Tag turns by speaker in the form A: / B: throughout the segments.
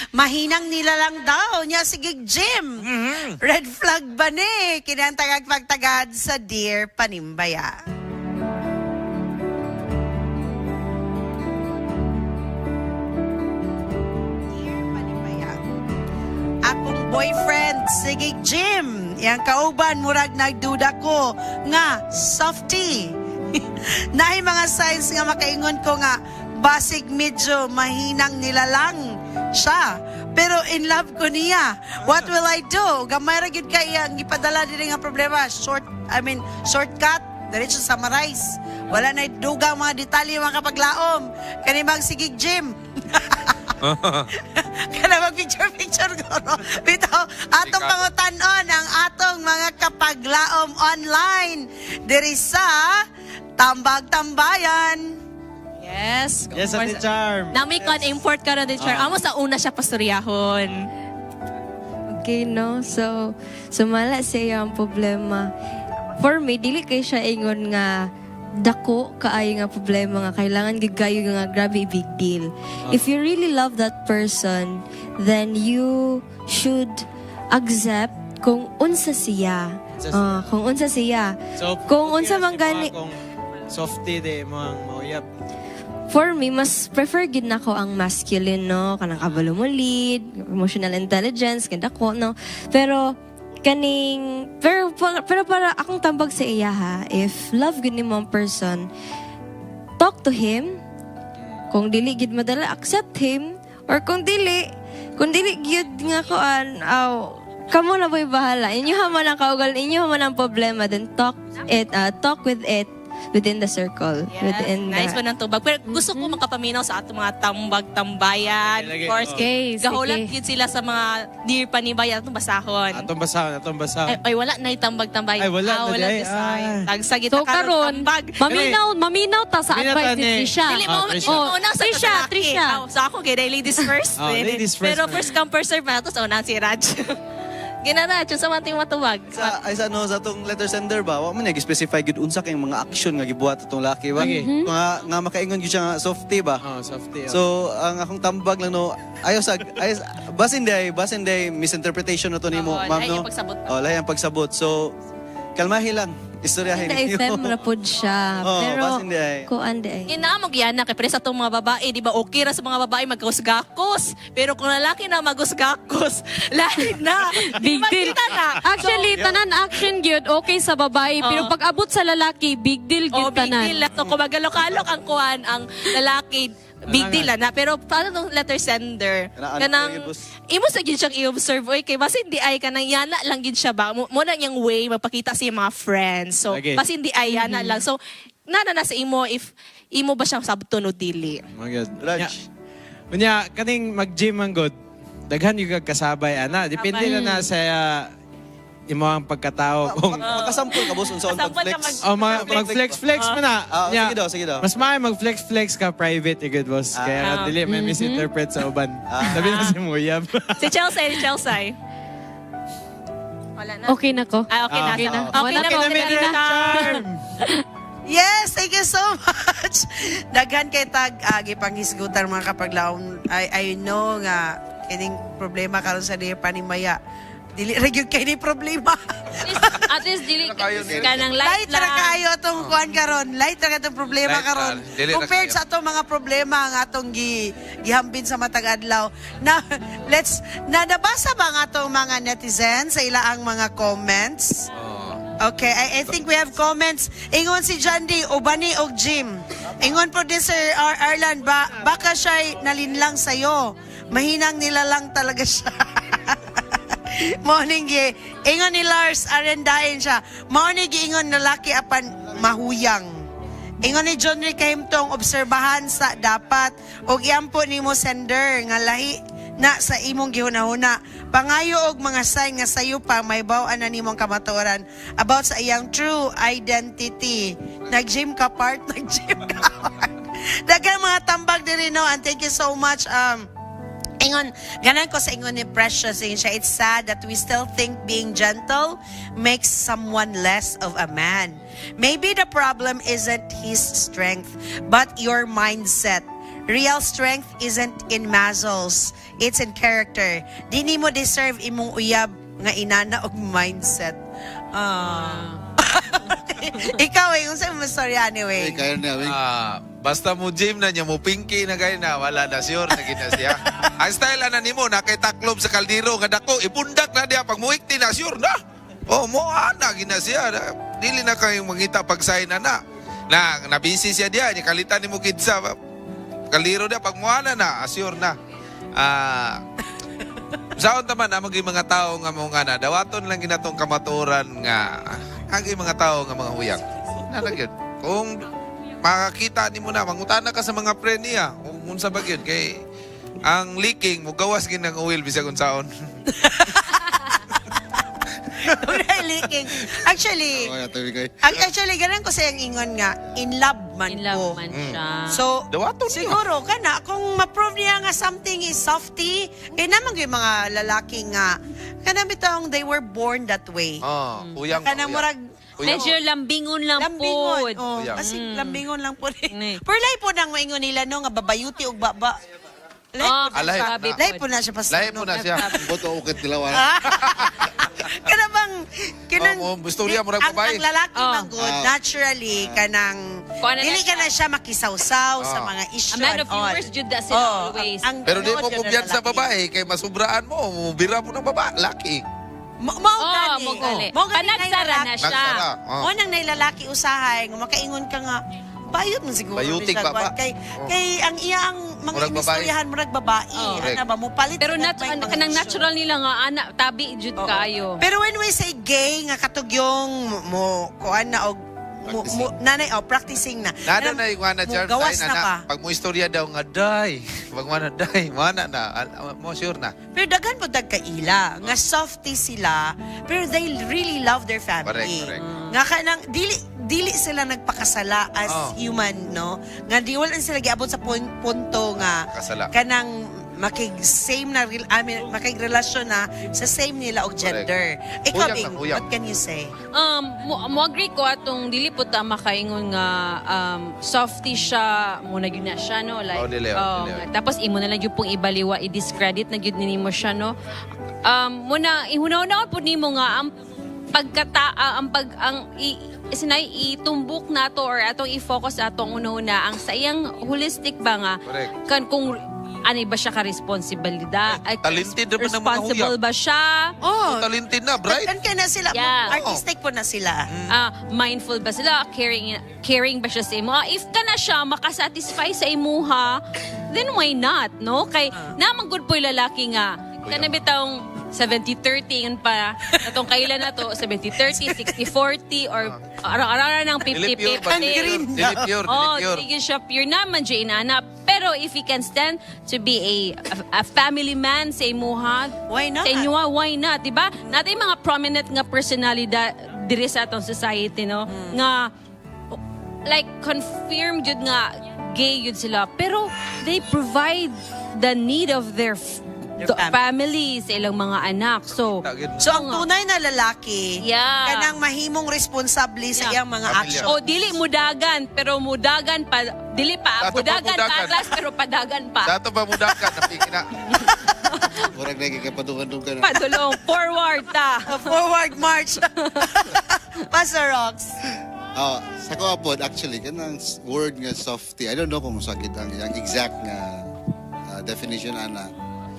A: Mahinang nila lang daw niya sige Jim. Red flag ba ni? Kinantagag pagtagad sa Dear Panimbaya. Dear Panimbaya. Akong boyfriend, sige Jim. Yang kauban, murag nagduda ko nga, softy. Naay mga signs nga makaingon ko nga, basig medyo mahinang nilalang siya. Pero in love ko niya. What will I do? Gamay ra gyud kay ang ipadala diri nga problema. Shortcut, diretso summarize. Wala na dugang mga detalye mga kapaglaom. Kani mag sigig Jim. Kana mag picture ko. No? Bitaw, atong pangutanon ang atong mga kapaglaom online diri sa Tambag-Tambayan.
B: Yes.
C: Yes, Ate Charm.
B: Nami kon import ka ron, Charm. Amo sa una siya pastoryahon.
D: Okay, no? So, sumala siya ang problema. For me, dili kay siya ingon nga dako kaayo nga problema nga kailangan gigayo nga grabe big deal. If you really love that person, then you should accept kung unsa siya. Kung unsa siya.
C: So,
D: Kung unsa man gani.
C: Kung softy de mga mauyap.
D: For me, mas prefer gid nako ang masculine, no? Kanang kabalo mo lead, emotional intelligence, ganda ko, no? Pero para akong tambag sa iya ha, if love gid nimo ang person, talk to him. Kung dili gid madala, accept him. Or kung dili gid nga koan, kamo na boy bahala. Inyo man ang kaugal, inyo man ang problema, then talk with it within the circle.
B: Yes,
D: Within
B: nice
D: the,
B: po ng tubag. Pero gusto ko makapaminaw sa ato mga tambag-tambayan.
C: Okay,
B: Of course,
D: okay.
B: gahulat
D: Sige.
B: yun sila sa mga Dear Panimbaya atong basahon.
C: Atong basahon.
B: Ay, wala na yung tambag-tambayan.
C: Ay, wala na
B: wala
C: di ay.
B: design.
C: Ah.
B: Tagsagit
E: So karon, maminaw ta sa
C: Maminaw
E: advice
C: ta ni-
E: ni Trisha.
B: Dili mo,
C: Trisha.
B: una sa
E: Trisha,
B: lalaki.
E: Trisha.
B: So ako, kaya ladies first.
C: Ladies first
B: Pero
C: na.
B: first come, first serve na ito. So, una si Raj. Ginaraj, yung sa mating matubag.
F: Sa atong letter sender ba, wa man nag-specify gid unsa kay mga action nga gibuhat atong laki ba.
C: Okay.
F: Nga makaingon gid siya nga softy ba.
C: Softy.
F: So ang akong tambag lang no, ayos basin day misinterpretation na to nimo,
B: Oo,
F: ma'am
B: lahi
F: no.
B: ang pagsabot.
F: Lahi ang pagsabot. So kalmahi lang. Istoryahin
D: Hindi,
F: niyo.
D: fem rapod siya.
F: Oo,
D: Pero,
F: basin di ay.
D: kuan di ay.
B: Inaamog yan na, kaya sa itong mga babae, di ba okay ra sa mga babae magkusgakos. Pero kung lalaki na magkusgakos, lahi na.
E: Big deal.
B: Makita na.
E: Actually, tanan action gyud okay sa babae, pero pag abot sa lalaki, big deal
B: Oh,
E: gyud
B: big
E: tanan.
B: deal. So, kung magalok-alok ang kuhan, ang lalaki, big deal na. Pero paano itong letter sender?
F: Kanaan
B: Kanang,
F: ko yun, boss.
B: imo sa gid siyang i-observe. Oy, kay basi hindi ay kanang yana lang gid siya ba? Muna niyang way, magpakita sa iyang mga friends. So,
C: Okay.
B: basi hindi ay yana lang. So, nana sa imo, if imo ba siyang sabton o dili?
C: Magod.
F: Raj.
C: Unya, kaning mag-gym ang good. Daghan yung kasabay, ana. Depende na sa imo ang pagkatao. Kung
F: Makasampol ka boss unsa on
B: Kasampol ka
F: pag-flex.
C: mag-flex-flex mo na. Nya,
F: Sige daw.
C: mas maaari mag-flex-flex ka private, good boss. Kaya dili may misinterpret sa uban. Sabi na si Muyab.
B: Si Chelsea. Wala na.
E: Okay na ko.
B: Okay na.
E: Okay na.
B: Okay
E: Wala
B: na.
E: na,
B: Okay na.
C: Charm!
A: Yes, thank you so much. Daghan kay tag gipanghisgutan mga kapaglaom. I know nga kining problema karon sa Dear Panimaya. Dili ra gyud kay ni problema.
B: At least dili ka ng light
A: Light ra
B: lang.
A: kayo atong kuan karon. Light ra katong problema
G: Light
A: karon.
G: ra. Dili ra
A: Compared
G: kayo.
A: sa atong mga problema nga atong gihambin sa matag adlaw. Na nabasa ba nga atong mga netizens sa ilaang mga comments? Okay, I think we have comments. Ingon si Jandy, Ubani og Jim. Ingon producer Arlan, baka siya nalinlang sa'yo. Mahinang nila lang talaga siya. Morning gi. Ingon ni Lars, arendain siya. Morning gi ingon lalaki apan mahuyang. Ingon ni John Rick Kahimtong, obserbahan sa dapat og iampo nimo sender nga lahi na sa imong gihuna-huna. Pangayo og mga sign nga sayo pa may baw-an na nimong kamatuoran about sa iyang true identity. Nag-gym ka part, nag-gym ka part. Daghang mga tambag diri no, and thank you so much Ingon, ganan ko sa ingon ni Precious, ingon siya, it's sad that we still think being gentle makes someone less of a man. Maybe the problem isn't his strength, but your mindset. real strength isn't in muscles, it's in character. Di ni mo deserve imong uyab nga inana og mindset. Ikaw unsa mo story anyway?
F: Kaya na, wait.
G: Basta mo gym na niya, mo pinky na kayo na, wala na sure na gina siya. Ang style na nimo, nakaitaklob sa kaldero, nga dako, ipundak na diya, pag muikti na, sure na. Oh, mo na, gina siya. Dili na kayong mangita pag-sign na. Nabisi siya diya, niya kalitan ni mo kidsa. Kaldero diya, pag muana na, sure na. Saon taman, amang mga tao nga mga na, dawaton lang ginatong kamaturan nga, ang mga tao nga mga huyang. Nalagyan. Kung makakita ni mo na, mangutana ka sa mga pre niya. Kung unsa ba yun, kay ang leaking, mo gawas ginang oil bisag unsaon.
A: Wala leaking. Actually, ganun ko sa yung ingon nga, in love man
E: In
A: ko.
E: love man siya.
A: So,
G: Dawaton niya.
A: siguro, kana, kung ma-prove niya nga something is softy, kaya naman yung mga lalaki nga, kana bitong they were born that way.
G: Oh, huyang.
A: Kana murag,
E: Medyo lambingon lang
A: lambingon.
E: po.
A: Oh,
G: Uyab.
A: kasi lambingon lang po.
E: Ni.
A: Perlay po nang maingon nila no, nga babayuti o baba.
G: Alay.
A: Lay po na siya pas.
G: Lahi mo na siya.
F: Boto ukit nila, wala.
A: Kana bang kinang
G: Oh, gusto niya, murag babae.
A: Ang lalaki
E: Oh.
A: man good, naturally kanang
E: Kung ano na
A: dili ka na siya makisawsaw sa mga
E: A
A: issue
E: man
A: and
E: of
A: all.
E: yours, Jude, that's it always.
G: Pero di mo
A: tinood yun ng
G: kumbiyan sa
A: lalaki.
G: babae, kay masubraan mo, bira mo ng babae, laki.
A: Mao
E: Oh,
A: gani.
E: mo gali.
A: Mao gani
E: Panagsara na siya.
G: Nagsara. Oh.
A: Mo nang nailalaki usahay, nga makaingon ka nga bayot man siguro.
G: Bayutik
A: siya,
G: pa ba?
A: Kwan. Kay ang iyang mga
G: Murag babae.
A: inistoryahan murag babae.
E: Oh.
A: Ana ba mo palit
E: Pero
A: na ba yung mga
E: kanang
A: issue?
E: natural nila nga, tabi, Jude,
A: Oo.
E: kayo.
A: Pero when we say gay nga katugyong mo kuan na og nanay practicing na.
G: Nada na yung na
A: Mo
G: charm
A: gawas
G: sign
A: na ka.
G: na. Pag mo istorya daw nga, day. Pag mana day, mana na. Mo sure na.
A: Pero daghan po dagkaila nga softy sila pero they really love their family.
G: Correct.
A: Nga kanang dili sila nagpakasala as
G: Oh.
A: human no. Nga di wala sila giabot sa punto nga
G: Kasala.
A: kanang makig-same na makig-relasyon na sa same nila og gender. Ikaw
G: Huyang
A: Bing,
G: na, huyang.
A: what can you say?
E: Mo agree ko atong dili po ta makaingon nga softy siya mo na gyud na siya no like
G: Oh, dili.
E: tapos imo na lang gyud pong ibaliwa i-discredit na gyud nimo siya no muna ihunaw-hunaw po nimo nga ang sinay itumbok nato or atong i-focus atong una-una ang sa iyang holistic ba nga
G: Correct.
E: kan kung ano ba siya ka-responsibilidad
G: Talented naman ng mga
E: responsible
G: huyang.
E: ba siya
A: Oh,
G: Talented na, bright.
A: kan na sila.
E: Yeah.
A: Artistic po na sila.
E: mindful ba sila, caring ba siya sa imo. If ka na siya makasatisfy sa imuha, then why not, no? Kay naman good po yung lalaki nga. Kana bitawng 70-30 yun pa. Atong kailan na to, 70-30, 60-40, or araw-araw ng
G: Dili pure ba?
E: 50-50.
G: Dili pure.
E: Oh, sige siya pure naman, Jay Inana. Pero if he can stand to be a family man sa imuha,
A: Why not?
E: sa inyuha, why not? Diba? Natin yung mga prominent nga personalidad diri sa atong society, no? Nga, like, confirm yun nga gay yun sila. Pero they provide the need of their family sa ilang mga anak. So,
A: So ang tunay na lalaki,
E: Yeah.
A: kanang mahimong responsable sa iyang mga
G: Pamilya.
A: action.
E: o dili mudagan, pero mudagan pa, dili pa,
G: Dato pa
E: mudagan pa
G: mudagan.
E: atlas, pero padagan pa.
G: Sa ito ba mudakan, napiki na.
F: Murag na kikapadungan-dungan.
E: Padulong, forward ta.
A: Forward march. Pastor Rox.
F: Sa ko apod, actually, kanang word nga softy, I don't know kung sakit ang exact nga definition ana.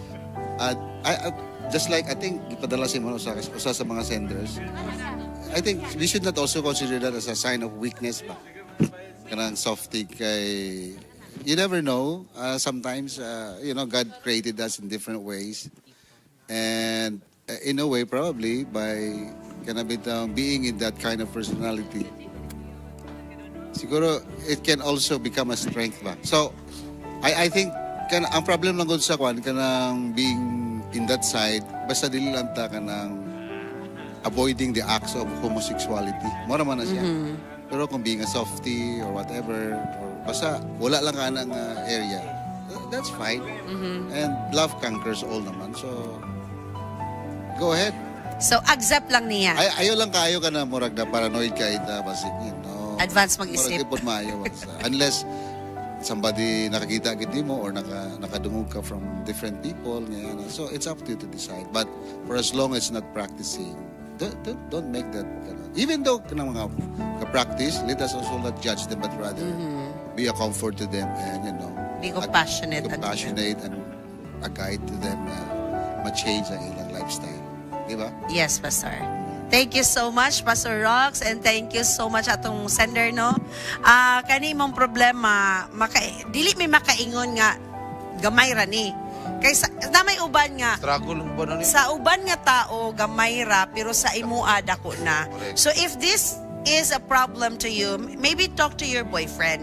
F: Just like, I think, ipadala si mo sa mga senders, I think we should not also consider that as a sign of weakness ba? Kanang softy kay, you never know. Sometimes, God created us in different ways. And in a way, probably, by being in that kind of personality, siguro, it can also become a strength ba? So, I think, ang problem lang gud sa kwan kanang being in that side basta dili lang ta kanang avoiding the acts of homosexuality mo naman na siya pero kung being a softy or whatever or basta wala lang ka ng area that's fine and love conquers all naman so go ahead
A: So accept lang niya.
F: ayaw lang kayo ka na murag na paranoid ka ita basig no
A: Advance mag-isip.
F: murag ipod maayo unless somebody nakakita gid mo or nakadungog ka from different people, ngayon. So it's up to you to decide. But for as long as not practicing, don't make that even though kanang mga ka-practice, let us also not judge them but rather be a comfort to them and
A: Be compassionate
F: and a guide to them na ma-change ang ilang lifestyle. Di ba?
A: Yes, Pastor. Thank you so much, Pastor Rox, and thank you so much atong sender, no? Kani mong problema, dili may makaingon nga gamay ra ni. Kaysa na may uban nga
G: Struggle mo ba na ni?
A: sa uban nga tao gamay ra pero sa imuha dako na.
G: Correct.
A: So if this is a problem to you, maybe talk to your boyfriend.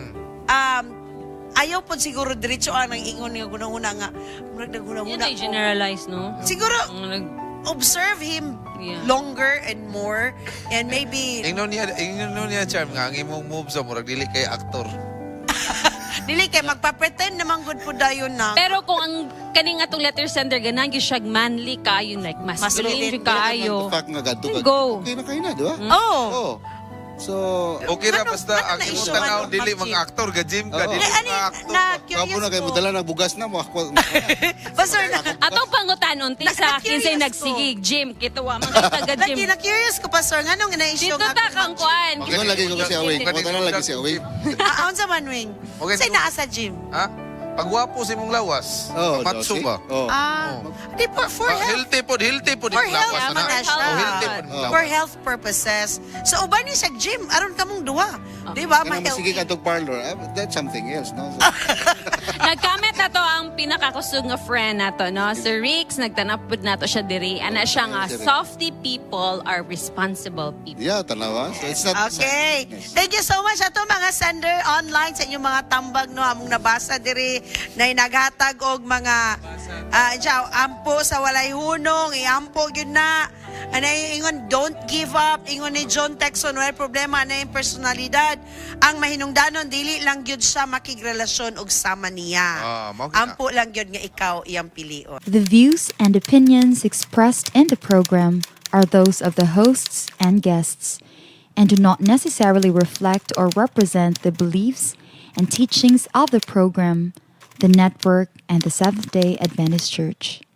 A: Ayaw po siguro diretso ang ingon nga gunahuna nga murag
E: Yan
A: naghunahuna
E: ay generalize, no?
A: siguro
E: Nag-
A: observe him
E: Yeah.
A: longer and more and maybe
G: Ingnon niya, Charm, nga ang imong moves sa murag dili kay aktor.
A: dili kay magpa-pretend naman good po dayon na.
E: Pero kung ang kaning atong letter sender ganan gyud siya manly kayo, like masculine
A: Masculine.
E: gyud kayo.
F: The fact nga gadto ka,
E: Go.
F: okay na kayo na, di ba?
A: Oh.
F: Oh. So,
G: Okay ra
A: Ano-
G: basta
A: ano
G: ang
A: na
G: imong
A: issue?
G: tanaw
A: Ano,
G: dili
A: mag-gym?
G: mga aktor, ga-gym ka,
F: Oo.
G: dili
A: Ani,
G: mga aktor.
A: na
F: kapo
A: curious
F: na kayo
A: ko.
F: mudala ng bugas na mo.
A: Pastor na
E: Atong pangutanon ti sa akin say
A: Na-curious
E: nagsigig gym kito wa man taga
A: lagi
E: gym.
A: na curious ko pastor nganong na-issue
E: Dito ta kang kuan.
F: Ingon lagi ko kasi away. Ingon lagi si away.
A: Aon sa manwing.
G: Okay,
A: Say
G: so-
A: naa sa gym.
G: Ha? Pagwapo sa imong lawas,
F: Oh,
G: matso
F: okay.
G: ba?
F: Oh.
A: Di for health.
G: Healthy po
A: For
G: imong
A: health
G: lawas
A: naman na siya.
G: Oh, healthy po imong
A: For
G: lawas.
A: health purposes. So uban ni sa gym aron kamong duha. Di ba?
F: Kanang masigig
A: Ma-healthy.
F: atong parlor, that's something else, no? So,
E: Nag-comment na to ang pinakakusog nga friend nato, no? Si Rix, nagtanapod na to siya diri. Ana siya nga,
F: Si Rick.
E: softy people are responsible people.
F: yeah, tanawa. So it's not
A: Okay.
F: Yes.
A: Thank you so much ato mga sender online sa inyong mga tambag no among nabasa diri na naghatag og mga ampo sa walay hunong, iampo gyud na. Anay ingon don't give up, ingon ni John Texon wala problema na yung personalidad. Ang mahinungdanon dili lang gyud siya makigrelasyon og sama niya.
G: mao gyud na.
A: Ampo lang gyud nga ikaw iyang pilion.
H: The views and opinions expressed in the program are those of the hosts and guests and do not necessarily reflect or represent the beliefs and teachings of the program, the network, and the Seventh-day Adventist Church.